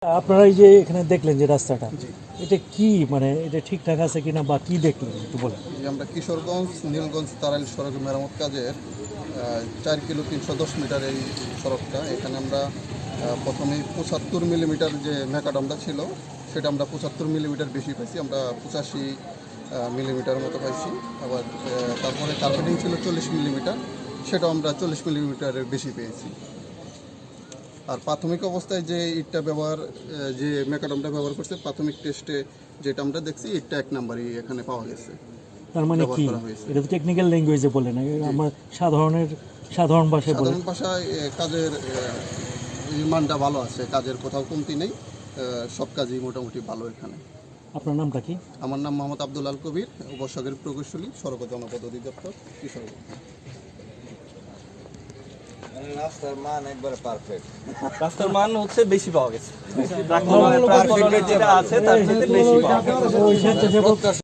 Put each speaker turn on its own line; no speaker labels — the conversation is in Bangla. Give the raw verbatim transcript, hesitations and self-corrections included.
আপনারা এই যে এখানে দেখলেন যে রাস্তাটা, এটা কি মানে এটা ঠিকঠাক আছে কিনা বা কি দেখলেন একটু বলেন।
যে আমরা কিশোরগঞ্জ নীলগঞ্জ তারাইল সড়ক মেরামত কাজের আহ, চার কিলো তিনশো দশ মিটার এই সড়কটা এখানে আমরা আহ, প্রথমে পঁচাত্তর মিলিমিটার যে ম্যাকাডামটা ছিল সেটা আমরা পঁচাত্তর মিলিমিটার বেশি পাইছি, আমরা পঁচাশি মিলিমিটার মতো পাইছি। আবার আহ, তারপরে কার্পেটিং ছিল চল্লিশ মিলিমিটার, সেটাও আমরা চল্লিশ মিলিমিটারের বেশি পেয়েছি। আর প্রাথমিক অবস্থায় যে ইটটা ব্যবহার আহ, যে ম্যাকাডামটা ব্যবহার করছে প্রাথমিক টেস্টে যেটা আমরা দেখছি ইটটা এক নাম্বারই এখানে পাওয়া গেছে।
তার মানে
ব্যবহার
কি
করা হয়েছে।
এটা তো টেকনিক্যাল ল্যাঙ্গুয়েজে বললেন, আমার সাধারণের সাধারণ ভাষায় বলেন।
সাধারণ ভাষায় এ, কাজের এ, এই মানটা ভালো আছে, কাজের কোথাও কমতি নেই, এ, সব কাজই মোটামুটি ভালো এখানে।
আপনার নামটা কি?
আমার নাম মোহাম্মদ আব্দুল আল কবির, উপসাগরের প্রকৌশলী, সড়ক ও জনপদ অধিদপ্তর, কিশোরগঞ্জ।
রাস্তার মান একবারে পারফেক্ট।
রাস্তার মান হচ্ছে বেশি পাওয়া গেছে, যেটা আছে তার থেকে বেশি পাওয়া গেছে।